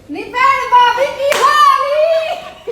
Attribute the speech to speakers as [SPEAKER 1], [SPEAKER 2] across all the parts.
[SPEAKER 1] ਨੀ ਭੈਣ ਭਾਬੀ ਕੀ ਹਾਲ ਈ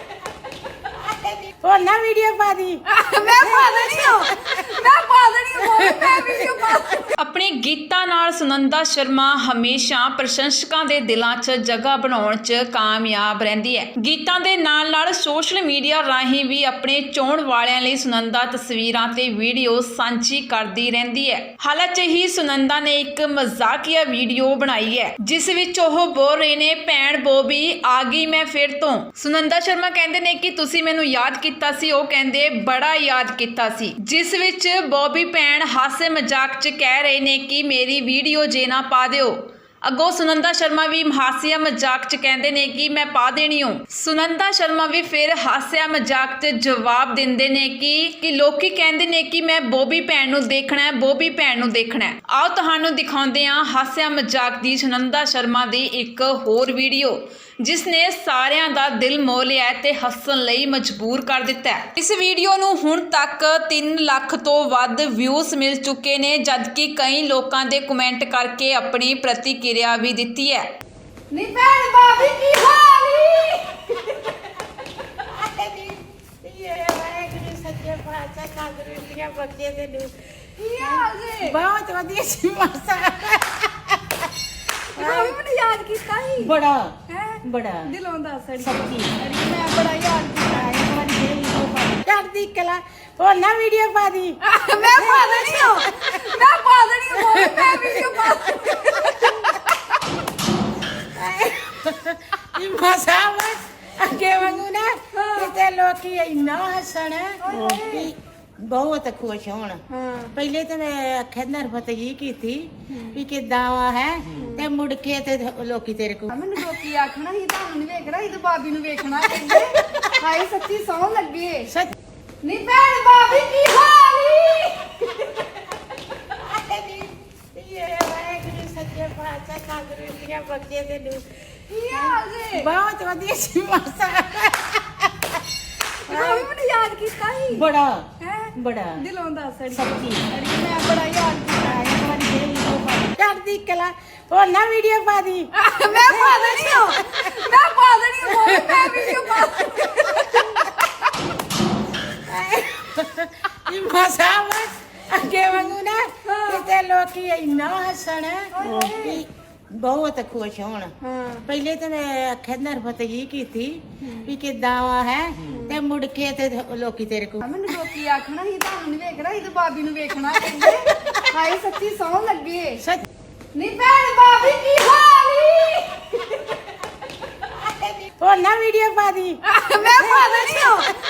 [SPEAKER 2] ਹੋਰ ਨਾ ਵੀਡੀਓ ਪਾ ਦੀ
[SPEAKER 1] ਮੈਂ ਪਾ ਦੇਣੀ ਆ ਮੈਂ ਵੀਡੀਓ ਪਾ
[SPEAKER 3] ਆਪਣੇ ਗੀਤਾਂ ਨਾਲ ਸੁਨੰਦਾ ਸ਼ਰਮਾ ਹਮੇਸ਼ਾ ਪ੍ਰਸ਼ੰਸਕਾਂ ਦੇ ਦਿਲਾਂ 'ਚ ਜਗ੍ਹਾ ਬਣਾਉਣ 'ਚ ਕਾਮਯਾਬ ਰਹਿੰਦੀ ਹੈ। ਗੀਤਾਂ ਦੇ ਨਾਲ-ਨਾਲ ਸੋਸ਼ਲ ਮੀਡੀਆ ਰਾਹੀਂ ਵੀ ਆਪਣੇ ਚਾਹਣ ਵਾਲਿਆਂ ਲਈ ਸੁਨੰਦਾ ਤਸਵੀਰਾਂ ਤੇ ਵੀਡੀਓ ਸਾਂਝੀ ਕਰਦੀ ਰਹਿੰਦੀ ਹੈ। ਹਾਲ 'ਚ ਹੀ ਸੁਨੰਦਾ ਨੇ ਇੱਕ ਮਜ਼ਾਕੀਆ ਵੀਡੀਓ ਬਣਾਈ ਹੈ ਜਿਸ ਵਿੱਚ ਉਹ ਬੋਲ ਰਹੇ ਨੇ, ਭੈਣ ਬੋਬੀ ਆ ਗਈ ਮੈਂ ਫਿਰ ਤੋਂ। ਸੁਨੰਦਾ ਸ਼ਰਮਾ ਕਹਿੰਦੇ ਨੇ ਕਿ ਤੁਸੀਂ ਮੈਨੂੰ ਯਾਦ ਕੀਤਾ ਸੀ, ਉਹ ਕਹਿੰਦੇ ਬੜਾ ਯਾਦ ਕੀਤਾ ਸੀ, ਜਿਸ ਵਿੱਚ ਬੋਬੀ ਭੈਣ ਹਾਸੇ ਮਜ਼ਾਕ 'ਚ ਕਹਿ ਰਹੇ ਨੇ ਕਿ ਮੇਰੀ ਵੀਡੀਓ ਜੇ ਨਾ ਪਾ ਦਿਓ। ਅੱਗੋਂ ਸੁਨੰਦਾ ਸ਼ਰਮਾ ਵੀ ਹਾਸਿਆ ਮਜ਼ਾਕ 'ਚ ਕਹਿੰਦੇ ਨੇ ਕਿ ਮੈਂ ਪਾ ਦੇਣੀ ਹੋ। ਸੁਨੰਦਾ ਸ਼ਰਮਾ ਵੀ ਫਿਰ ਹਾਸਿਆ ਮਜ਼ਾਕ 'ਚ ਜਵਾਬ ਦਿੰਦੇ ਨੇ ਕਿ ਲੋਕੀ ਕਹਿੰਦੇ ਨੇ ਕਿ ਮੈਂ ਬੋਬੀ ਭੈਣ ਨੂੰ ਦੇਖਣਾ ਹੈ, ਬੋਬੀ ਭੈਣ ਨੂੰ ਦੇਖਣਾ ਹੈ। ਆਓ ਤੁਹਾਨੂੰ ਦਿਖਾਉਂਦੇ ਹਾਂ ਹਾਸਿਆ ਮਜ਼ਾਕ ਦੀ ਸੁਨੰਦਾ ਸ਼ਰਮਾ ਦੀ ਇੱਕ ਹੋਰ ਵੀਡੀਓ ਜਿਸ ਨੇ ਸਾਰਿਆਂ ਦਾ ਦਿਲ ਮੋਹ ਲਿਆ ਤੇ ਹੱਸਣ ਲਈ ਮਜਬੂਰ ਕਰ ਦਿੱਤਾ ਹੈ। ਇਸ ਵੀਡੀਓ ਨੂੰ ਹੁਣ ਤੱਕ 3 ਲੱਖ ਤੋਂ ਵੱਧ ਵਿਊਜ਼ ਮਿਲ ਚੁੱਕੇ ਨੇ, ਜਦਕਿ ਕਈ ਲੋਕਾਂ ਦੇ ਕਮੈਂਟ ਕਰਕੇ ਆਪਣੀ ਪ੍ਰਤੀਕਿਰਿਆ ਵੀ ਦਿੱਤੀ ਹੈ।
[SPEAKER 1] ਨੀ ਭੈਣ ਭਾਬੀ ਕੀ ਹਾਲ ਈ
[SPEAKER 2] ਸੱਚੇ ਪਾਤਸ਼ਾਹ ਤੰਦਰੁਸਤੀਆਂ ਬਖਸ਼ੇ ਤੈਨੂੰ।
[SPEAKER 1] ਕੀ ਹਾਲ ਜੀ
[SPEAKER 2] ਬਹੁਤ ਵਧੀਆ ਸੀ ਮਾਸਾ।
[SPEAKER 1] ਭਾਬੀ ਮੈਨੂੰ ਯਾਦ ਕੀਤਾ ਸੀ
[SPEAKER 2] ਬੜਾ
[SPEAKER 1] ਹੈ
[SPEAKER 2] ਬੜਾ
[SPEAKER 1] ਦਿਲੋਂ ਦੱਸ ਅੜੀ
[SPEAKER 2] ਸੱਚੀ
[SPEAKER 1] ਮੈਂ ਬੜਾ ਯਾਦ ਕੀਤਾ
[SPEAKER 2] ਚੜਦੀ ਕਲਾ। ਹੋਰ ਨਾ ਵੀਡੀਓ ਪਾ ਦੀ
[SPEAKER 1] ਮੈਂ ਪਾ ਦੇਣੀ ਆ ਮੈਂ ਵੀਡੀਓ ਪਾ
[SPEAKER 2] ਇਹ ਮਾਸਾ ਅੱਗੇ ਵਾਂਗੂ ਨਾ ਕਿਤੇ ਲੋਕੀ ਇੰਨਾ ਹੱਸਣ ਵੀ ਬਹੁਤ ਖੁਸ਼ ਹੋਣ। ਪਹਿਲੇ ਤੇ ਮੈਂ ਆਖਿਆ ਨਰਵਤ ਜੀ ਕੀਤੀ ਵੀ ਕਿੱਦਾਂ ਵਾ ਹੈ, ਤੇ ਮੁੜ ਕੇ ਤੇ ਲੋਕੀ ਤੇਰੇ ਕੋਲ
[SPEAKER 1] ਮੈਨੂੰ ਲੋਕੀ ਆਖਣਾ ਸੀ ਤੁਹਾਨੂੰ ਨਹੀਂ ਵੇਖਣਾ ਸੀ ਤੇ ਬਾਬੀ ਨੂੰ ਵੇਖਣਾ ਕਹਿੰਦੇ ਹਾਏ ਸੱਚੀ ਸੌਂ ਲੱਗੇ।
[SPEAKER 2] ਸੱਚ
[SPEAKER 1] ਨੀ ਭੈਣ ਭਾਬੀ ਕੀ ਹਾਲ ਈ
[SPEAKER 2] ਸੱਚੇ ਪਾਤਸ਼ਾਹ ਤੰਦਰੁਸਤੀਆਂ ਬਖਸ਼ੇ ਤੈਨੂੰ।
[SPEAKER 1] ਕੀ ਹਾਲ ਜੀ
[SPEAKER 2] ਬਹੁਤ ਵਧੀਆ ਸੀ ਮਾਸਾ।
[SPEAKER 1] ਭਾਬੀ ਮੈਨੂੰ ਯਾਦ ਕੀਤਾ ਸੀ
[SPEAKER 2] ਬੜਾ
[SPEAKER 1] ਹੈ
[SPEAKER 2] ਬੜਾ
[SPEAKER 1] ਦਿਲੋਂ ਦੱਸ ਅੜੀ
[SPEAKER 2] ਸੱਚੀ
[SPEAKER 1] ਮੈਂ ਬੜਾ ਯਾਦ ਕੀਤਾ
[SPEAKER 2] ਚੜਦੀ ਕਲਾ। ਹੋਰ ਨਾ ਵੀਡੀਓ ਪਾ ਦੀ
[SPEAKER 1] ਮੈਂ ਪਾ ਦੇਣੀ ਆ ਮੈਂ ਵੀਡੀਓ ਪਾ
[SPEAKER 2] ਇਹ ਮਾਸਾ ਅੱਗੇ ਵਾਂਗੂ ਨਾ ਕਿਤੇ ਲੋਕੀ ਇੰਨਾ ਹੱਸਣ ਵੀ ਬਹੁਤ ਖੁਸ਼ ਹੋਣ। ਪਹਿਲੇ ਤੇ ਮੈਂ ਆਖਿਆ ਨਰਵਤ ਜੀ ਕੀਤੀ ਵੀ ਕਿੱਦਾਂ ਵਾ ਹੈ, ਤੇ ਮੁੜ ਕੇ ਤੇ ਲੋਕੀ ਤੇਰੇ ਕੋਲ
[SPEAKER 1] ਮੈਨੂੰ ਲੋਕੀ ਆਖਣਾ ਸੀ ਤੁਹਾਨੂੰ ਨਹੀਂ ਵੇਖਣਾ ਸੀ ਤੇ ਬਾਬੀ ਨੂੰ ਵੇਖਣਾ ਕਹਿੰਦੇ ਹਾਏ ਸੱਚੀ ਸੌਂ ਲੱਗੇ।
[SPEAKER 2] ਸੱਚ
[SPEAKER 1] ਨੀ ਭੈਣ ਭਾਬੀ ਕੀ ਹਾਲ ਈ
[SPEAKER 2] ਹੋਰ ਨਾ ਵੀਡੀਓ ਪਾ ਦੀ
[SPEAKER 1] ਮੈਂ ਪਾ ਦੇਣੀ ਆ